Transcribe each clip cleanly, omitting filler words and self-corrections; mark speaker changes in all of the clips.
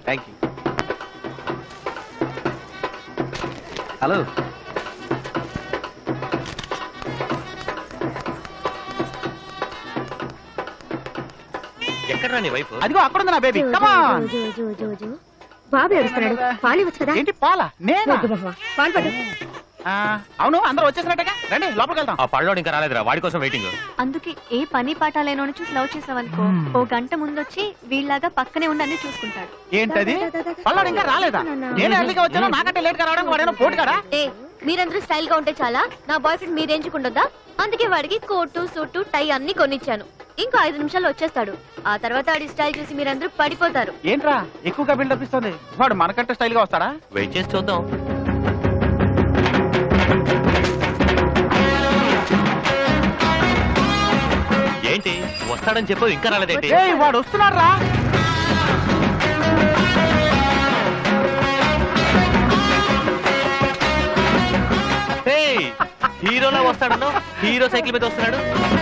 Speaker 1: Thank you. Hello,
Speaker 2: ఎక్కడ నీ wife?
Speaker 1: అదిగో అక్కడ ఉంది నా బేబీ.
Speaker 3: బాబు ఏడుస్తున్నాడు, పాలు ఇవ్వచ్చు కదా.
Speaker 1: ఏంటి పాలా? నేనా?
Speaker 3: పాలు పడు.
Speaker 1: అవును, అందరూ వచ్చేసినట్టుగా, రండి లోపలికి వెళ్దాం.
Speaker 2: ఆ పళ్ళోడు ఇంకా రాలేదురా, వాడి కోసం వెయిటింగ్.
Speaker 4: అందుకే ఏ పని పాట లేనోని చూసి లవ్ చేసావనుకో, ఓ గంట ముందొచ్చి వీళ్ళలాగా పక్కనే ఉండి చూసుకుంటాడు.
Speaker 1: ఏంటది? పళ్ళోడు ఇంకా రాలేదా? నేను ఎర్లీగా వచ్చాను, నాకంటే లేట్ గా రావడం వాడేమో పోటీ కదా.
Speaker 4: మీరందరూ స్టైల్ గా ఉంటే చాలా, నా బాయ్ ఫ్రెండ్ మీరు ఎంచుకుంటుందా? అందుకే వాడికి కోటు సూటు టై అన్ని కొనిచ్చాను. ఇంకో 5 నిమిషాల్లో వచ్చేస్తాడు. ఆ తర్వాత వాడి స్టైల్ చూసి మీరందరూ పడిపోతారు.
Speaker 1: ఏంట్రా ఎక్కువగా బిల్డప్ ఇస్తుంది? వాడు మనకంటే స్టైల్ గా వస్తాడా?
Speaker 2: వెయిట్ చేసి చూద్దాం. ఏంటి వస్తాడని చెప్పు, ఇంకా రాలేదేంటి?
Speaker 1: వాడు వస్తున్నాడు రా.
Speaker 2: హీరోలా వస్తాడను, హీరో సైకిల్ మీద వస్తున్నాడు.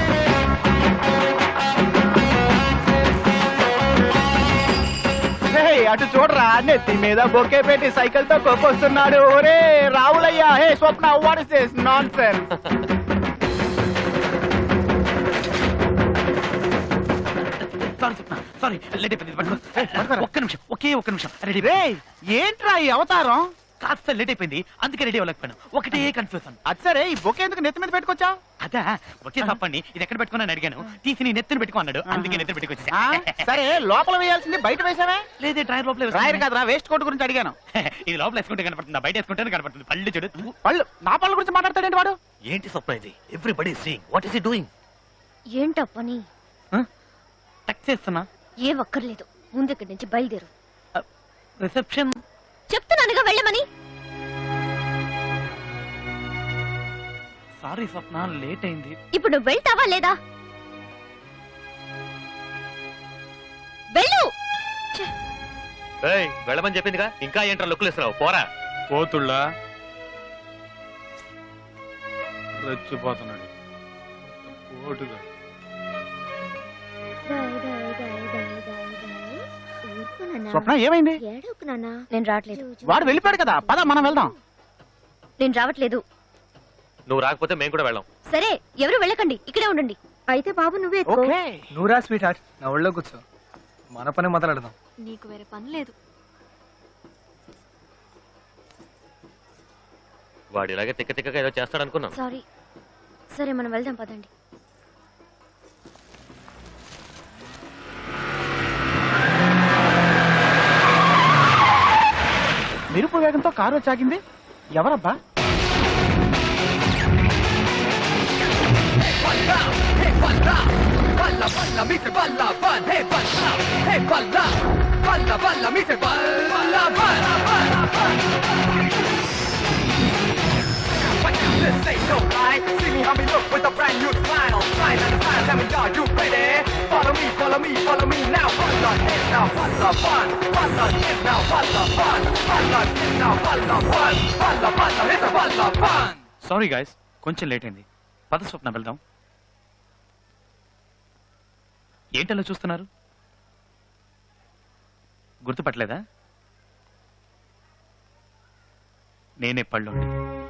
Speaker 1: అటు చూడరా, నెత్తి మీద బొకే పెట్టి సైకిల్ తో కొక్కొస్తున్నాడు. ఒరే రావులయ్యా, hey Swapna, what is this nonsense?
Speaker 5: Sorry late అయిపోయింది. ఒక్క నిమిషం, ఒక్క నిమిషం.
Speaker 1: ఏంట్రా ఈ అవతారం?
Speaker 5: కాస్త లేట్ అయిపోయింది, అందుకే రెడీ అవ్వలేకపోయాను. ఒకటే కన్ఫ్యూజన్.
Speaker 1: అది సరే, ఈ బొకే ఎందుకు నెత్తి మీద పెట్టుకొచ్చా?
Speaker 5: అదా ఒకే తప్పండి, ఇది ఎక్కడ పెట్టుకున్నాను అడిగాను. తీసి నీ నెత్తిని పెట్టుకో అన్నాడు, అందుకే నెత్తిని పెట్టుకొచ్చా.
Speaker 1: సరే, లోపల వేయాల్సింది బయట వేసావే?
Speaker 5: లేదే, డ్రైవర్ లోపల
Speaker 1: డ్రైవర్ కాదురా, వేస్ట్ కోట్ గురించి అడిగాను.
Speaker 5: ఇది లోపల వేసుకుంటే కనపడుతుంది, బయట వేసుకుంటే కనపడుతుంది. పళ్ళు చూడు.
Speaker 1: పళ్ళు? నా పళ్ళ గురించి మాట్లాడతాడేంటి వాడు?
Speaker 2: ఏంటి స్వప్న ఇది? Everybody seeing, what is he doing?
Speaker 4: ఏంటో పని?
Speaker 5: టచ్ చేస్తున్నా.
Speaker 4: ఏ ఒక్కర్లేదు, ముందు ఇక్కడి నుంచి బయలుదేరు.
Speaker 5: రిసెప్షన్
Speaker 4: చెప్తున్నానుగా వెళ్ళమని.
Speaker 5: సారీ స్వప్న, లేట్ అయింది.
Speaker 4: ఇప్పుడు నువ్వు వెళ్తావా లేదా? వెళ్ళు.
Speaker 2: వెళ్ళమని చెప్పిందిగా, ఇంకా ఏంట్రా లుక్కులు ఇస్తున్నావు? పోరా.
Speaker 5: పోతుళ్ళా రెచ్చిపోతున్నాడు. పోటుగా
Speaker 1: స్వప్న ఏమైంది?
Speaker 4: నేను రావట్లేదు.
Speaker 1: వాడు వెళ్ళిపోయాడు కదా, పద మనం వెళ్దాం.
Speaker 4: నేను రావట్లేదు.
Speaker 2: నువ్వు రాకపోతే మేము కూడా వెళ్ళాం.
Speaker 4: సరే, ఎవరు వెళ్ళకండి, ఇక్కడే ఉండండి. అయితే బాబు నువ్వే ఎక్కు.
Speaker 6: నువ్వురా స్వీట్ హార్ట్, నా ఒళ్ళో కూర్చో, మన పని మొదలెడదాం.
Speaker 4: నీకు వేరే పని లేదు.
Speaker 2: వాడు ఇలాగే తిక్క తిక్కగా ఏదో చేస్తాడు అనుకున్నాను.
Speaker 4: సారీ. సరే మనం వెళ్దాం పదండి.
Speaker 1: మెరుపు వేగంతో కారు వచ్చాగింది. ఎవరబ్బా?
Speaker 7: This ain't no lie. See me how me look with a brand new smile. Smile and a smile, tell me are you ready? Follow me, follow me, follow me now. Fun the hit now, fun the fun. Fun the hit now, fun the fun. Fun the hit now, fun the fun. Fun the hit, fun the fun.
Speaker 5: Sorry guys, కొంచెం late అయింది. పద స్వప్న వెళ్దాం. ఏంటలా చూస్తున్నారు? గుర్తుపట్టలేదా? నేనే పళ్ళోండి.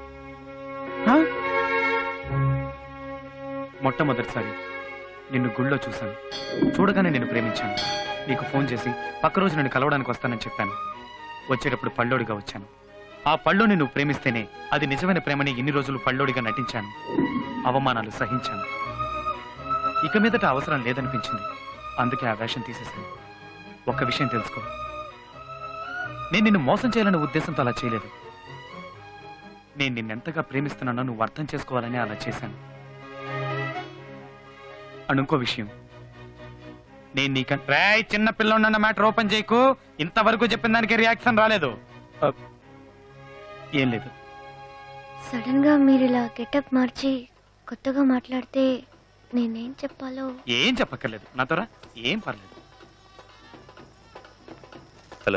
Speaker 5: మొట్టమొదటిసారి నిన్ను గుళ్ళో చూశాను. చూడగానే నేను ప్రేమించాను. నీకు ఫోన్ చేసి పక్క రోజు నన్ను కలవడానికి వస్తానని చెప్పాను. వచ్చేటప్పుడు పళ్ళోడిగా వచ్చాను. ఆ పళ్ళోని నువ్వు ప్రేమిస్తేనే అది నిజమైన ప్రేమని ఇన్ని రోజులు పళ్ళోడిగా నటించాను. అవమానాలు సహించాను. ఇక మీదట అవసరం లేదనిపించింది. అందుకే ఆ వేషం తీసేశాను. ఒక్క విషయం తెలుసుకో, నేను నిన్ను మోసం చేయాలనే ఉద్దేశంతో అలా చేయలేదు. నేను నిన్నెంతగా ప్రేమిస్తున్నానో నువ్వు అర్థం చేసుకోవాలని అలా చేశాను. అనుకో విషయం, నేను నీకంటే చిన్న పిల్లన్న మ్యాటర్ ఓపెన్ చేయకు. ఇంతవరకు చెప్పిన దానికి రియాక్షన్ రాలేదు. ఏం లేదు.
Speaker 4: సడన్ గా మీరు ఇలా గెటప్ మార్చి కొత్తగా మాట్లాడితే నేనేం చెప్పాలో.
Speaker 5: ఏం చెప్పక్కర్లేదు, నాతోరా, ఏం పర్లేదు.
Speaker 2: హలో.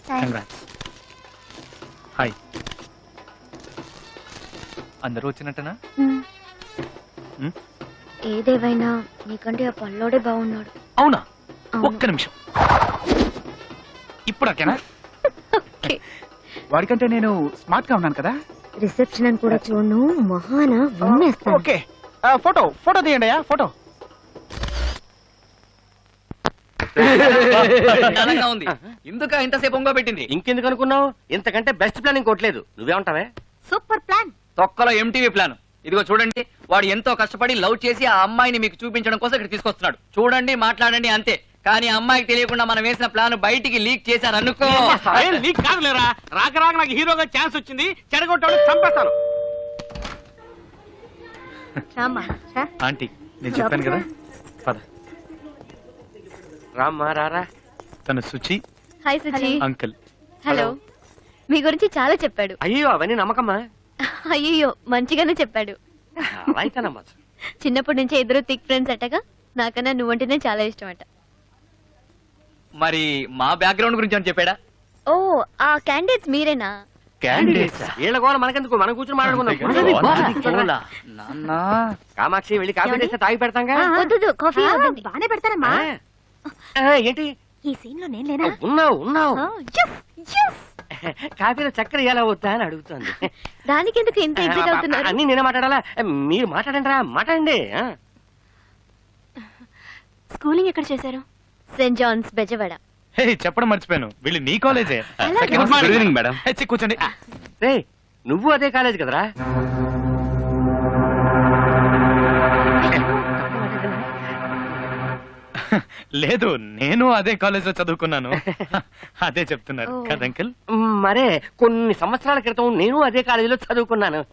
Speaker 5: హాయ్. అందరూ వచ్చినట్టనా?
Speaker 4: ఏదేవైనా నీకంటే ఆ పల్లోడే బాగున్నాడు.
Speaker 5: అవునా? ఒక్క నిమిషం. ఇప్పుడు ఓకేనా?
Speaker 4: ఓకే.
Speaker 1: వాడికంటే నేను స్మార్ట్ గా ఉన్నాను కదా.
Speaker 3: రిసెప్షన్ అని కూడా చూడను మహాన ఉమ్మేస్తాను.
Speaker 1: ఓకే ఫోటో తీయండి అయ్యా ఫోటో.
Speaker 8: బలంగా ఉంది. ఇందుక ఇంతసేపు ఒంగో పెట్టింది.
Speaker 9: ఇంకెందుకు అనుకున్నావు? ఇంతకంటే బెస్ట్ ప్లాన్ ఇంకోట్లేదు. నువ్వేమంటావే?
Speaker 3: Super plan.
Speaker 8: తొక్కలో ఎంటీవీ ప్లాన్. ఇదిగో చూడండి, వాడు ఎంతో కష్టపడి లవ్ చేసి ఆ అమ్మాయిని మీకు చూపించడం కోసం ఇక్కడ తీసుకొస్తున్నాడు. చూడండి, మాట్లాడండి, అంతే. కానీ ఆ అమ్మాయికి తెలియకుండా మనం వేసిన ప్లాన్ బయటికి లీక్ చేశారనుకో.
Speaker 10: నీకు కాదులేరా, రాక రాక నాకు హీరోగా ఛాన్స్ వచ్చింది, చెడగొట్టాడు, చంపేస్తాను.
Speaker 3: రామ్మా రా.
Speaker 5: ఆంటీ నేను చెప్పాను కదా, పద.
Speaker 9: రామ్మా రారా.
Speaker 5: తను Suchi
Speaker 4: hi Suji.
Speaker 5: Uncle.
Speaker 4: Hello. మీ గురించి చాలా చెప్పాడు.
Speaker 9: అయ్యో అవన్నీ నమ్మకమ్మా.
Speaker 4: అయ్యో మంచిగానే చెప్పాడు.
Speaker 9: అలా అయితే నమ్మచ్చు.
Speaker 4: చిన్నప్పటి నుంచి ఇద్దరు థిక్ ఫ్రెండ్స్ అట్టగా. నాకన్నా నువ్వంటేనే చాలా ఇష్టం అట.
Speaker 8: మరి మా బ్యాక్గ్రౌండ్ గురించి అని చెప్పాడా?
Speaker 4: ఓ ఆ క్యాండిడేట్స్ మీరేనా?
Speaker 9: వీళ్ళ గోల మనకెందుకు, మనం కూర్చొని మాట్లాడుకుందాం.
Speaker 8: నాన్న,
Speaker 9: కామాక్షి వెళ్ళి కాఫీ చేస్తే తాగి పెడతాంగా.
Speaker 4: వద్దు కాఫీ వద్దండి.
Speaker 3: బానే పెడతారమ్మా.
Speaker 9: ఏంటి
Speaker 3: ఈ సీన్ లో నేను లేనా?
Speaker 9: ఉన్నావు.
Speaker 4: Yes, yes.
Speaker 9: కాఫీలో చక్కెర ఎలా వద్దా అని అడుగుతుంది.
Speaker 4: దానికి ఎందుకు ఇంత ఎగ్జైట్ అవుతున్నారు?
Speaker 9: అన్ని నేనే మాట్లాడాలా? మీరు మాట్లాడండి రా, మాట్లాడండి.
Speaker 4: స్కూలింగ్ ఎక్కడ చేశారు? Saint Johne's Bezawada.
Speaker 5: హే చెప్పడం మర్చిపోయాను, వీళ్ళు నీ కాలేజే.
Speaker 4: అలాగే.
Speaker 5: Good evening madam. కూర్చోండి.
Speaker 9: రే నువ్వు అదే కాలేజ్ కదరా?
Speaker 5: లేదు, నేను అదే కాలేజ్ లో చదువుకున్నాను. అదే చెప్తున్నారు
Speaker 4: ఓ.
Speaker 5: కదా అంకుల్?
Speaker 9: మరే కొన్ని సంవత్సరాల క్రితం నేను అదే కాలేజీలో చదువుకున్నాను.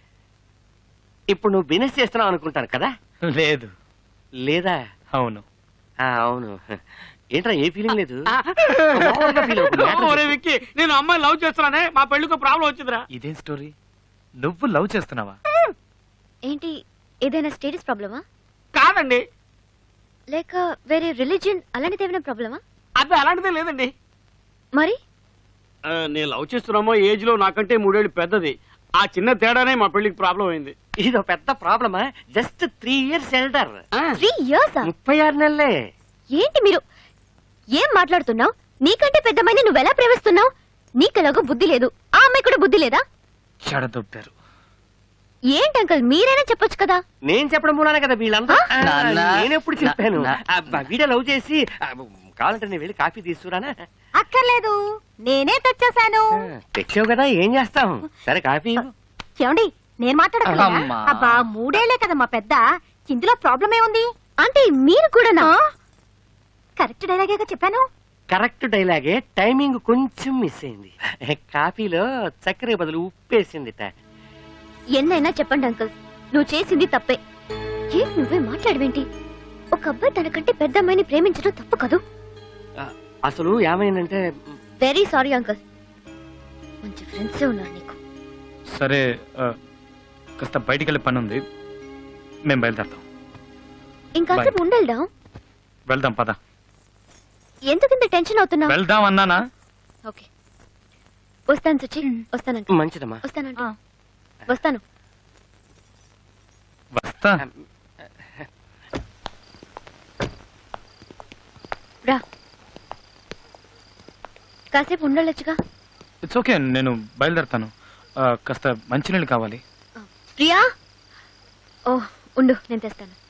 Speaker 9: ఇప్పుడు నువ్వు బిజినెస్ చేస్తున్నావు అనుకుంటాను కదా?
Speaker 5: లేదు.
Speaker 9: లేదా?
Speaker 5: అవును.
Speaker 9: అవును. ఏంట్రా ఏ ఫీలింగ్ లేదు? మామూలుగా feel అవుతుంది.
Speaker 10: ఒరే విక్కీ, నేను అమ్మాయి లవ్ చేస్తున్నానే, మా పెళ్లికి ప్రాబ్లం వచ్చిందిరా.
Speaker 5: ఇదేం స్టోరీ? నువ్వు లవ్ చేస్తున్నావా?
Speaker 4: ఏంటి ఏదైనా స్టేటస్ ప్రాబ్లమా?
Speaker 10: కాదండి,
Speaker 4: లేక వేరే రిలీజియన్ అలాంటిది ఏమైనా ప్రాబ్లమా?
Speaker 10: అది అలాంటిదే లేదండి.
Speaker 4: మరి
Speaker 10: నేను లవ్ చేస్తున్నామో ఏజ్ లో నాకంటే 3 ఏళ్ళు పెద్దది. ఆ చిన్న తేడానే మా పెళ్లికి ప్రాబ్లం అయింది.
Speaker 9: ఇదో పెద్ద ప్రాబ్లమా? Just 3 years elder.
Speaker 4: 3 years?
Speaker 9: 36 నెలలే.
Speaker 4: ఏంటి మీరు ఏం మాట్లాడుతున్నావు? నీకంటే పెద్దమ్మాయిని నువ్వెలా ప్రేమిస్తున్నావు? నీకెలాగో బుద్ధి లేదు, ఆ అమ్మాయి కూడా బుద్ధి లేదా?
Speaker 5: చెడదొప్పారు.
Speaker 4: ఏంటి అంకల్ మీరైనా చెప్పొచ్చు కదా.
Speaker 9: నేను చెప్పడం మూలానే కదా వీళ్ళంతా.
Speaker 8: నాన్న.
Speaker 9: నేనెప్పుడు చెప్పాను? వీడియో లవ్ చేసి కావాలంటే నేను వెళ్ళి కాఫీ తీసుకురానా?
Speaker 3: అక్కర్లేదు, నేనే తెచ్చేసాను.
Speaker 9: తెచ్చావు కదా, ఏం చేస్తాం? సరే కాఫీ ఇవ్వు.
Speaker 3: ఏమండి నేను మాట్లాడగలనా?
Speaker 8: అమ్మా.
Speaker 3: అబ్బా 3 ఏళ్లే కదా మా పెద్ద, ఇందులో ప్రాబ్లం ఏముంది?
Speaker 4: అంటే మీరు కూడానా?
Speaker 3: కరెక్ట్ డైలాగేగా చెప్పాను.
Speaker 9: కరెక్ట్ డైలాగే, టైమింగ్ కొంచెం మిస్ అయింది. కాఫీలో చక్కెర బదులు ఉప్పేసిందిట.
Speaker 4: ఎన్నైనా చెప్పండి అంకల్, నువ్వు చేసింది తప్పే. ఏం నువ్వే మాట్లాడవేంటి? ఒక అబ్బాయి తనకంటే పెద్ద అమ్మాయిని ప్రేమించడం తప్పు కదూ.
Speaker 9: అసలు ఏమైందంటే,
Speaker 4: వెరీ సారీ అంకల్, మంచి ఫ్రెండ్స్ ఉన్నారు నీకు.
Speaker 5: సరే కాస్త బయటికి వెళ్ళే పని ఉంది, మేము బయలుదేరుతాం.
Speaker 4: ఇంకాసేపు ఉండేద్దాం.
Speaker 5: వెళ్దాం పద.
Speaker 4: ఎందుకు ఇంత టెన్షన్ అవుతున్నావు?
Speaker 5: వెళ్దాం అన్నానా?
Speaker 4: ఓకే వస్తాను సుచి, వస్తానంట.
Speaker 9: మంచిదమ్మా.
Speaker 4: వస్తానంట. వస్తాను.
Speaker 5: వస్తా.
Speaker 4: రా, కాసేపు ఉండొచ్చుగా.
Speaker 5: ఇట్స్ ఓకే, నేను బయలుదేరుతాను. కాస్త మంచినీళ్ళు కావాలి.
Speaker 4: ప్రియా, ఓ ఉండు నేను తెస్తాను.